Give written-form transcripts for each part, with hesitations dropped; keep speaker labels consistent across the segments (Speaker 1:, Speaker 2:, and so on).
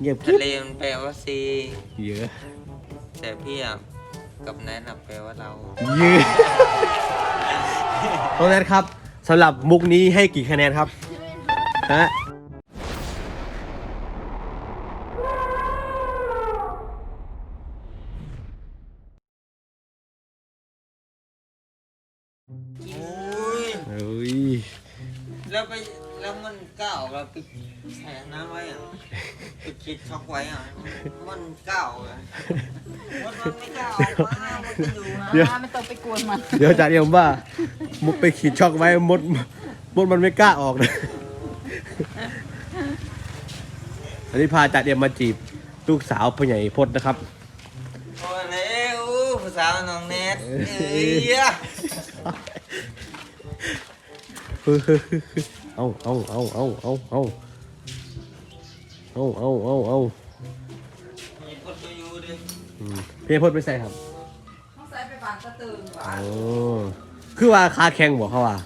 Speaker 1: เงียบ
Speaker 2: ทะเลมันแปลว่าซี
Speaker 1: เยอะ
Speaker 2: แต่พี่อ่ะกับแนทแปลว่าเรา
Speaker 1: เยอะน้องแนทครับสำหรับมุกนี้ให้กี่คะแนนครับฮะ
Speaker 2: โอ้ย
Speaker 1: เฮ้ย
Speaker 2: แล้วมันก้าวเราไปแช่น้ำไว้อ่ะไปคิดช็อกไว้อ่ะมันก้าวอ่ะมันไม่ก้าวออกมามันจะอยู่นะ
Speaker 1: เดี๋ยว
Speaker 3: ไม่ต้องไปกวนมัน
Speaker 1: เดี๋ยวอาจารย์เอ็มว่ามุกไปขีดช็อกไว้มดมันไม่กล้าออกนะอันนี้พาอาจารย์เอ็มมาจีบลูกสาวพ่อใหญ่พจน์นะครับ
Speaker 2: โอ้ยแล้วภาษาน้องแนทเอ้ย
Speaker 1: เอา
Speaker 2: มีคนมาอยู่ดิ
Speaker 1: พี่พจน์ไม่ใส่ครับ
Speaker 3: ต้องใส่ไปบานตะตึงหวาน
Speaker 1: โอ้คือว่าคาแข่งบอกเขาว่า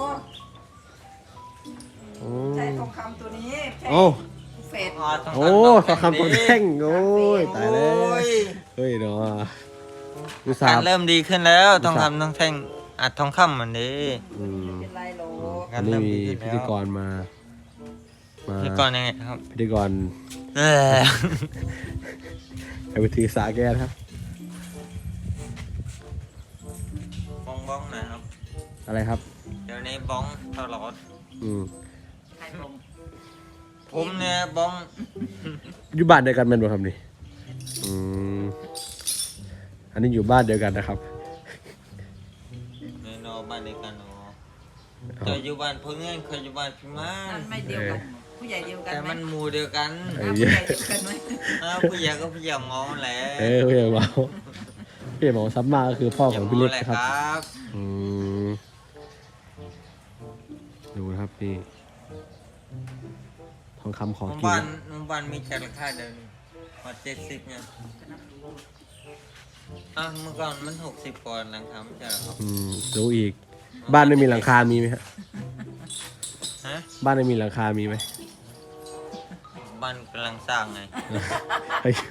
Speaker 3: โอ้ใช้ทองคำตัวนี้ใช้
Speaker 1: โอ้
Speaker 3: เฟด
Speaker 1: โอ้ทองคำตัวแท่งโอ้ยตายแล้ว
Speaker 2: โอ้ย
Speaker 1: เฮ้ยเนาะดูสา
Speaker 2: การ
Speaker 1: บ
Speaker 2: เริ่มดีขึ้นแล้วทองคำต้องแท่งอัดทองคำเหมือนนี้
Speaker 1: อืม
Speaker 3: เป็นไรโหล
Speaker 1: อันนี้มีพิธีกรมา
Speaker 2: พิธีกรยังไงครับ
Speaker 1: พิธีกร
Speaker 2: เออ
Speaker 1: ไปถือสาแก้นะครับ
Speaker 2: บ้องนะครับ
Speaker 1: อะไรครับ
Speaker 2: เดี๋ยวนี้บ้องตลอด
Speaker 1: อืม
Speaker 3: ใครลง
Speaker 2: ผมเนี่ยบ้อง
Speaker 1: อยู่บ้านเดียวกันแมันบ่ครับนี่อืมอันนี้อยู่บ้านเดียวกันนะครับ
Speaker 2: ในนอบ้านเดียวกันเนาะจะอยู่บ้านเพื่อนเคยอยู่บ้านพี่มาน
Speaker 3: มันไม่เดียวกัน ผู้ใหญ่เดียวกัน
Speaker 2: แต่
Speaker 3: ไหม
Speaker 2: มันหมู่เดียวกัน
Speaker 1: เอ้
Speaker 3: ผู้ใหญ่เดียวกันไหม
Speaker 2: ผู้ใหญ่ก็ผู้ใหญ่งอแหละ
Speaker 1: พี่ใหญ่บอกพี่ใหญ่บอกซับมาก็คือพ่อของพี่เล็กนะครับ
Speaker 2: ครับ
Speaker 1: อืมดูนะครับนี่ทองคำของ
Speaker 2: หมู่
Speaker 1: กิน
Speaker 2: บ้านมีแค่ราคาเดินมา70เนี่ยเมื่อก่อนมัน60ก่อนหลังคาไม่ใช่เหรอครับ
Speaker 1: อืมดูอีก บ้านไม่มีหลังคามีไหมฮะ
Speaker 2: ฮะ
Speaker 1: บ้านไม่มีหลังคามีไหม
Speaker 2: บ้านกำลังสร้างไง
Speaker 1: ไอ้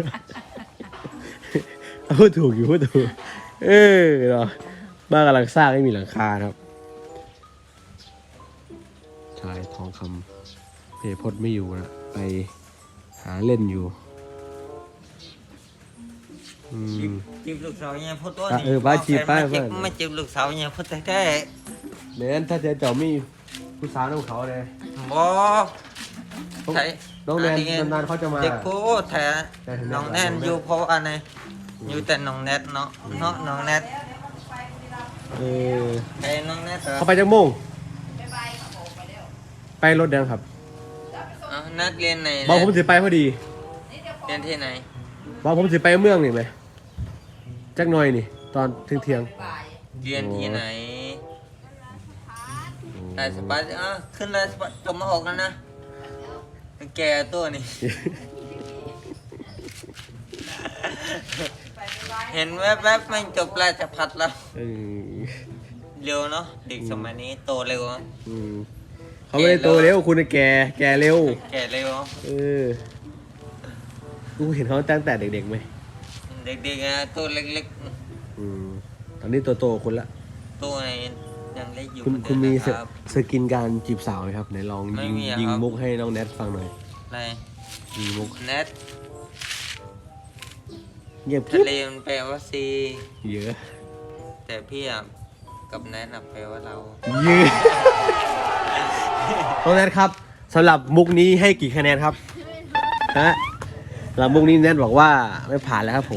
Speaker 1: พูดถูกอยู่พูดถูกเนาะบ้านกำลังสร้างไม่มีหลังคาครับชายทองคำเพพดไม่อยู่นะไปหาเล่นอยู่อืม
Speaker 2: จีบลูกสาวเนี่ยพูดตัว
Speaker 1: เออบ้าจีบป้า
Speaker 2: ไม่จีบลูกสาวเนี่ยพูดแท้
Speaker 1: เน้นถ้าเจ้ามีผู้สาวน้องเขาเลย
Speaker 2: ๆบ่ใช่
Speaker 1: น้องแนนนานๆเขาจะมา
Speaker 2: เด็กพูดแท้น้องแนนอยู่เพราะอะไรอยู่แต่น้องแนทเนาะน้องแนท
Speaker 1: เออ
Speaker 2: ไอ้น้องแนทเหรอ
Speaker 1: เขาไปจังโมงไปรถแดงครับ
Speaker 2: นัดเรียนไหน
Speaker 1: บอกผมสิไปพอดี
Speaker 2: เรียนที่ไหน
Speaker 1: บอกผมสิไปเมืองนี่ไหมจักหน่อยนี่ ตอนเที่ยง
Speaker 2: เรียนที่ไหนได้สบายขึ้นได้สบายจบมาออกแล้วนะแกตัวนี่ เห็นแวบๆไม่จบราชพัฒแล้ว
Speaker 1: เออ
Speaker 2: เร็วเนาะเด็กสมัยนี้โตเร็ว
Speaker 1: อืมเขาไม่ได้โตเร็วคุณน่ะแก่เร็ว
Speaker 2: แก่เร็ว
Speaker 1: เออกูเห็นเขาตั้งแต่เด็กๆไหม
Speaker 2: เด็กๆนะตัวเล็ก
Speaker 1: อืมตอนนี้โตๆคุณละ
Speaker 2: ๆตัวไหนยังเล็กอยู่
Speaker 1: คุณมี
Speaker 2: เหอนเดินะครับ
Speaker 1: สกินการจีบสาวไหมครับไหนลอง
Speaker 2: ไม่
Speaker 1: ยิง
Speaker 2: มีอะ
Speaker 1: ยิง
Speaker 2: ครับ
Speaker 1: มุกให้น้องแนทฟังหน่อย
Speaker 2: อะไร
Speaker 1: ยิงมุก
Speaker 2: แนท
Speaker 1: เงียบ
Speaker 2: ทะเลมันแปลว่าซี
Speaker 1: เยอะ
Speaker 2: แต่พี่อ่ะกับแนทแปลว่าเรา
Speaker 1: เยอะน้องแนทครับสำหรับมุกนี้ให้กี่คะแนนครับฮะสำหรับมุกนี้แนทบอกว่าไม่ผ่านแล้วครับผม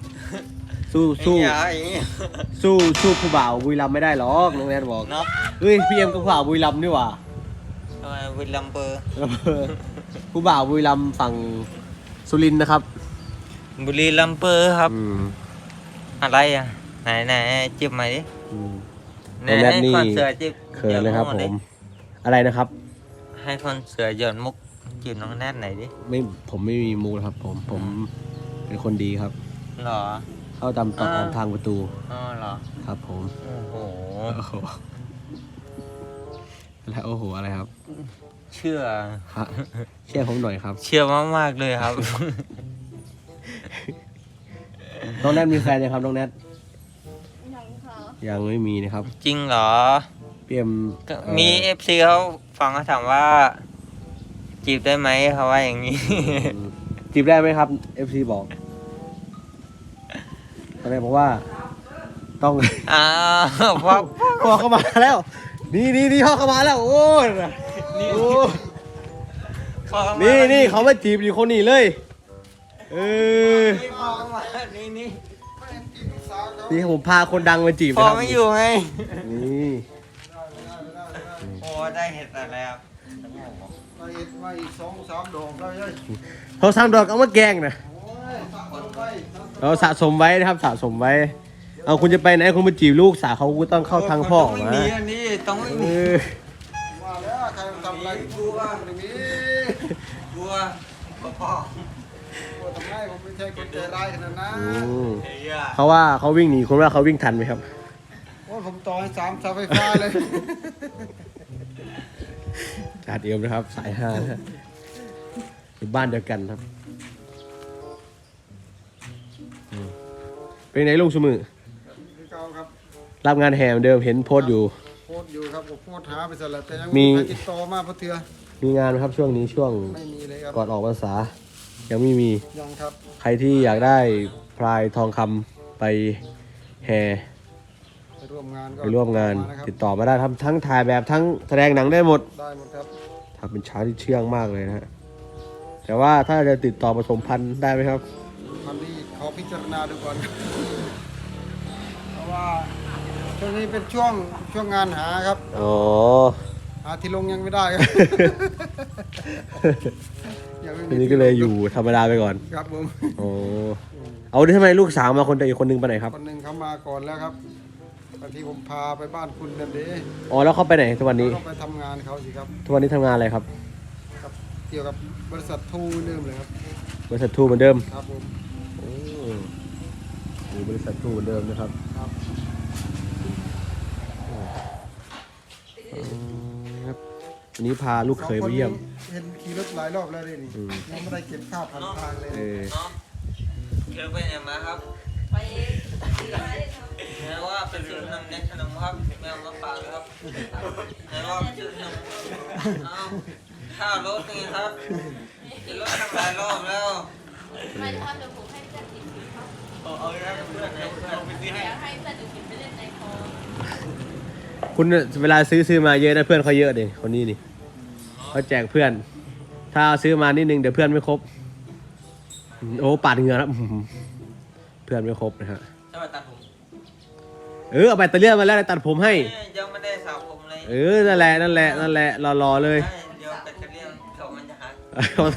Speaker 1: สู้ผู้บ่าวบุรีรัมย์ไม่ได้หรอกน้องแนทบอก
Speaker 2: เนาะ
Speaker 1: เฮ้ยพี่เอ็มก็ผู้บ่าวบุรีรัมย์นี่หว่า
Speaker 2: ทำไมวิลลัมเบอร์
Speaker 1: ผู้บ่าวบุรีรัมย์ฝั่งสุรินทร์นะครับ
Speaker 2: บุรีลัมเปอร์ครับ
Speaker 1: อืม
Speaker 2: อะไรอ่ะไหนจิบมาดิ
Speaker 1: อืม
Speaker 2: ไหน
Speaker 1: น้องแนท
Speaker 2: ให้
Speaker 1: นี่
Speaker 2: คอนเสิร์ตจิบ
Speaker 1: เขินเลยครับ
Speaker 2: ห
Speaker 1: ผ
Speaker 2: อดิ
Speaker 1: มอะไรนะครับ
Speaker 2: ให้คอนเสิร์ตหย่อนมุกจีบน้องแนทไหนอยดิ
Speaker 1: ผมไม่มีมูลครับผมเป็นคนดีครับ
Speaker 2: หรอ
Speaker 1: เข้าตามตอกทางประตู
Speaker 2: อ๋อเหรอ
Speaker 1: ครับผม
Speaker 2: โอ้โห
Speaker 1: โอ้โหแล้วโอ้โหอะไรครับ
Speaker 2: เชื่อ
Speaker 1: ครับเชื่อผมหน่อยครับ
Speaker 2: เชื่อมากๆเลยครับ
Speaker 1: น้องแนทมีแฟนยังครับน้องแนท
Speaker 4: ยังค่ะ
Speaker 1: ยังไม่มีนะครับ
Speaker 2: จริงเหรอ
Speaker 1: เปียม
Speaker 2: ก็มีFC เขาฟังเขาถามว่า จีบได้ไหมเขาว่าอย่างนี้
Speaker 1: จีบได้ไหมครับ FC บอกตอนแรกบอกว่า ต้อง
Speaker 2: อ้าวพ่อ
Speaker 1: พ่อเข้ามาแล้ว นี่พ่อเข้ามาแล้ว โอ้ยโอ้
Speaker 2: พ่อเข้ามา
Speaker 1: นี่เขามาจีบอยู่คนนี้เลย เออ
Speaker 2: นี่พ่อเข้ามานี่
Speaker 1: นี่ผมพาคนดังมาจีบ
Speaker 2: พ่อ
Speaker 1: นะครับ
Speaker 2: ไม่อยู่ไง
Speaker 1: นี่
Speaker 2: โอ้ได้เห็นแต่แล้ว
Speaker 5: มาอีก2-3 ดอกแล้วยัย
Speaker 1: เขาสร้างดอกเอามาแกล้งนะ
Speaker 5: โอ้ยสามคนไป
Speaker 1: เราสะสมไว้นะครับสะสมไว้ เอาคุณจะไปไหนคุณมาจีบลูกสาวเขาก็ต้องเข้าทางพ่อ
Speaker 2: ต้องไม่
Speaker 1: มา
Speaker 2: มีอันนี้ต้องไม่
Speaker 1: เอ
Speaker 2: มี
Speaker 1: อ
Speaker 5: มาแล้วใครทำอะไรกูบ้างอย่างนี้
Speaker 2: กลัวพ่อ
Speaker 5: กูทำไมผมไม่ใช่คนใจร้ายขนาดนั้น
Speaker 1: อืม
Speaker 2: เฮีย
Speaker 1: เขาว่าเขาวิ่งหนีคุณว่าเขาวิ่งทันไหมครับ
Speaker 5: โอ้ยผมต่อให้3เสาไฟฟ้าเลย
Speaker 1: จัดเอวนะครับ สายห้านะฮะอยู่บ้านเดียวกันครับอืมเป็นไหนลุงสมือ
Speaker 5: พี่เก้าครับ
Speaker 1: รับงานแห่เหมือนเดิมเห็นโพสต์อยู่
Speaker 5: โพสต์อยู่ครับผมโพสต์หาไปสลับแต่ยัง
Speaker 1: มี
Speaker 5: ใครติดต่อมาเพราะเถื่อ
Speaker 1: มีงานไหมครับช่วงนี้ช่วง
Speaker 5: ไม่มีเลยครับ
Speaker 1: ก่อนออกพรรษายังไม่มี
Speaker 5: ยังครับ
Speaker 1: ใครที่อยากได้พลายทองคำไปแห่
Speaker 5: ไปร่วมงานก็
Speaker 1: ไปร่วมงาน
Speaker 5: ะครับ
Speaker 1: ติดต่อมาได้ทำทั้งถ่ายแบบทั้งแสดงหนังได้หมด
Speaker 5: ได้หมดครับ
Speaker 1: ทำเป็นช้างที่เชื่องมากเลยนะฮะแต่ว่าถ้าจะติดต่อผสมพันธุ์ได้ไหมครับ
Speaker 5: วันนี้ขอพิจารณาดูก่อน เพราะว่าช่วงนี้เป็นช่วงงานหาครับ
Speaker 1: อ๋อ
Speaker 5: หาที่ลงยังไม่ได้ครับ ยังไม่มี
Speaker 1: ทีนี้ก็เลยอยู่ธรรมดาไปก่อน
Speaker 5: ครับผม
Speaker 1: โอ้เอาดิทำไมลูกสาวมาคนเดียวอีกคนนึงไปไหนครับ
Speaker 5: คนหนึ่งเขามาก่อนแล้วครับตอนที่ผมพาไปบ้านคุณนั่นเด้
Speaker 1: อ๋อแล้วเขาไปไหนทุกวันนี้
Speaker 5: ก็ไปทำงานเขาสิครับ
Speaker 1: ทุกวันนี้ทำงานอะไรครับ
Speaker 5: กับเกี่ยวกับบริษัททูเดิมเลยครับ
Speaker 1: บริษัททูเหมือนเดิม
Speaker 5: ครับผม
Speaker 1: โอ้อยู่บริษัททูเหมือนเดิมนะครับ
Speaker 5: ครับ
Speaker 1: ครับวันนี้พาลูกเขยไปเยี่ยม
Speaker 5: สองคนนี้เห็นขี่รถหลายรอบแล้วเลยนี่
Speaker 1: อืม
Speaker 5: ยังไม่ได้เก็บค่าผ่านทางเลย
Speaker 1: เออ
Speaker 2: เนาะเดี๋ยวไปไหนมาครับ
Speaker 4: ไปซื้อมาได้ท
Speaker 2: แม้ว่าเป็นซื้อน้ำเน็ตขนมครับแม่เอามาฝากเลยครับแม้ว่าเป็นซื้อขนมเอาข้าวรถนี่ครับกินรถตั้งหลายรอบแล้ว
Speaker 4: ำไม่ทำเดี๋ยวผมให้เพื่อนติดครับ
Speaker 2: เอาอีกแล้วเพื่อนเพื่อนไปซื้อให้
Speaker 4: อยากให้เพื่อนติดไปเล่นในคลอง
Speaker 1: คุณเวลาซื้อมาเยอะนะเพื่อนเขาเยอะดิคนนี้นี่เขาแจกเพื่อน ถ้าเอาซื้อมานิดนึงเดี๋ยวเพื่อนไม่ครบโอ้ปาดเหงื่อแล้วเพื่อนไม่ครบนะฮะ
Speaker 2: จะมาตัดผม
Speaker 1: เอาแบตเตอรี่มาแล้วตัดผมให้
Speaker 2: ยังไม่ได้สระผมเลย
Speaker 1: นั่นแหละรอเลย
Speaker 2: เดี๋ยวแบตเตอรี่เขามันจะหัก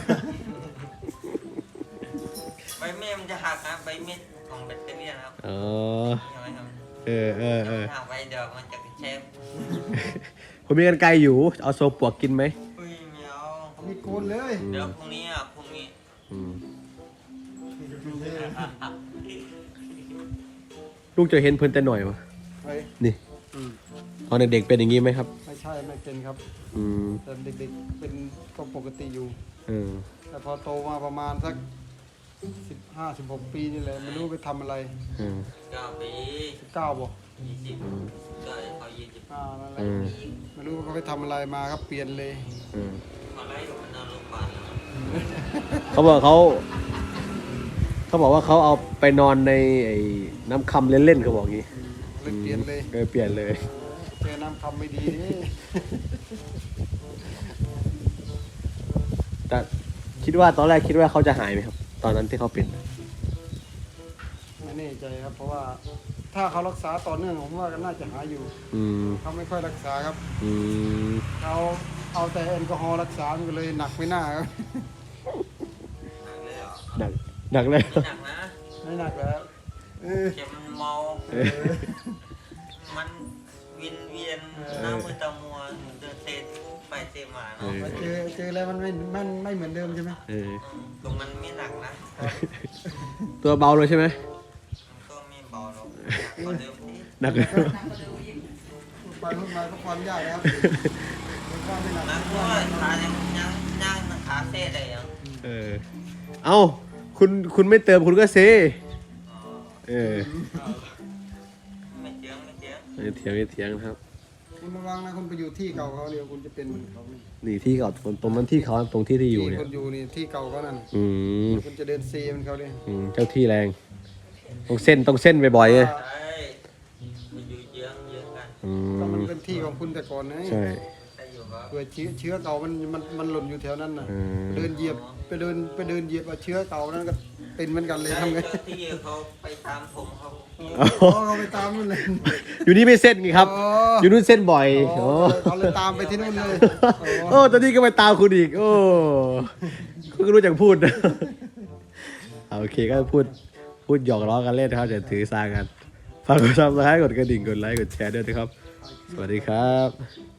Speaker 2: ใบเมีดมันจะหักนะใบเมีดของแบตเตอรี่นะครับ
Speaker 1: อ๋อ
Speaker 2: ใช่ไหมครับ
Speaker 1: เออ
Speaker 2: หักไปเดี๋ยวมันจะกระเชฟ
Speaker 1: ผมมีกันไกลอยู่ เอาโซปวกกินไหม
Speaker 2: อุ้ยเมียว
Speaker 5: มีโกนเลย
Speaker 2: เดี๋ยวพรุ่งนี้อ่ะพรุ่งนี้
Speaker 1: อืมลูกจะเห็นเพิ่นแต่หน่อยวะ
Speaker 5: ไป
Speaker 1: นี่
Speaker 5: อืม
Speaker 1: ตอนเด็กๆเป็นอย่างนี้ไหมครับ
Speaker 5: ไม่ใช่ไม่เป็นครับ
Speaker 1: อืม
Speaker 5: แต่เด็กๆเป็นก็ปกติอยู่
Speaker 1: เออ
Speaker 5: แต่พอโตมาประมาณสัก15-16 ปีนี่แหละไม่รู้ไปทำอะไร
Speaker 1: เออ
Speaker 2: 9 ปี
Speaker 5: 19บ่
Speaker 2: 20ก็เขา20
Speaker 5: นั่นแหละ
Speaker 1: เออ
Speaker 5: ไม่รู้ว่าเขาไปทำอะไรมาครับเปลี่ยนเลย
Speaker 1: เออ
Speaker 2: เขาไล่อยู่มันนอนโรงพยาบาลแล้ว
Speaker 1: เขาบอกว่าเขาเอาไปนอนในไอ้น้ำคำเล่นๆเขาบอกงี้
Speaker 5: เลยเปลี่ยนเลย
Speaker 1: เปลี่ยนเลย
Speaker 5: เจอน้ำคำไม่ดีนี่
Speaker 1: แต่คิดว่าตอนแรกคิดว่าเขาจะหายไหมครับ ตอนนั้นที่เขาเป็น
Speaker 5: ไม่แน่ใจครับ เพราะว่าถ้าเขารักษาต่อเนื่องผมว่าก็น่าจะหายอยู่
Speaker 1: อืม
Speaker 5: เขาไม่ค่อยรักษาครับ
Speaker 1: อืม
Speaker 5: เขาเอาแต่แอลกอฮอล์รักษามันก็เลยหนักไม่น่าครับ
Speaker 2: หนักเลยเหรอ
Speaker 1: หนักเลย
Speaker 2: หนักนะ
Speaker 5: ไม่หนักแล้วเออ
Speaker 2: เข็มมันเมา มันเวียนหน้ามือตามัวเดินเซไปเซมาเนาะ
Speaker 5: มาเจอแล้วมันไม่เหมือนเดิมใช่ไหม
Speaker 1: เออ
Speaker 2: ตรงนั้นไม่หนักนะ
Speaker 1: ตัวเบาเลยใช่ไหม
Speaker 2: มันก็ไม่เบาหรอกหนักกว่าเดิมที่
Speaker 1: หนักเลย
Speaker 5: ไปพูดมาก็ความยากนะครับว่าไม่หนัก
Speaker 2: นักมวยขายังขาเซ่ได้ยัง
Speaker 1: เอ้าคุณไม่เติมคุณก็เซเออ
Speaker 2: ไม่เจียง
Speaker 1: ไม่เถียงนะครับ
Speaker 5: คุณระวังนะคุณไปอยู่ที่เก่าเขาเดี๋ยวคุณจะเป็นเหมือนเขานี่
Speaker 1: นี่ที่เก่าตรงนั้นที่เขาตรงที่ที่อยู่เนี่ย
Speaker 5: คุณอยู่นี่ที่เก่าเขานั่น
Speaker 1: อืม
Speaker 5: คุณจะเดินซีมันเขาดิ
Speaker 1: เจ้าที่แรงต้องเส้นบ่อยๆเลย
Speaker 2: ใช่มันอยู่เยื้องกัน
Speaker 5: ก็มันเป็นที่ของคุณแต่ก่อนนะ
Speaker 1: ใช่
Speaker 2: แต่อยู่ครับ
Speaker 5: เผื่อเชื้อเก่ามันหล่นอยู่แถวนั้นน่ะ
Speaker 1: อืม
Speaker 5: เดินเหยียบไปเดินเหยียบเอาเชื้อเก่านั้นก็เป็นเหมือนกันเลยทำไง
Speaker 2: เจ้าที่เขาไปตามผมเขา
Speaker 5: เขาไปตามนู่นเลย
Speaker 1: อยู่นี่ไม่เส้นไงครับ
Speaker 5: อ๋อ
Speaker 1: อ
Speaker 5: อ
Speaker 1: ยู่นู่นเส้นบ่อย
Speaker 5: อ๋
Speaker 1: โอ้
Speaker 5: อเขาเลยตามไปที่นู่นเลย
Speaker 1: โอ้ตอนนี้ก็ไปตามคุณอีก โอ้คุณก็รู้จักพูดนะโอเคก็พูดหยอกล้อกันเล่นนะครับจะถือสากันฝากกดซับสไครต์กดกระดิ่งกดไลค์กดแชร์ด้วยนะครับ สวัสดีครับ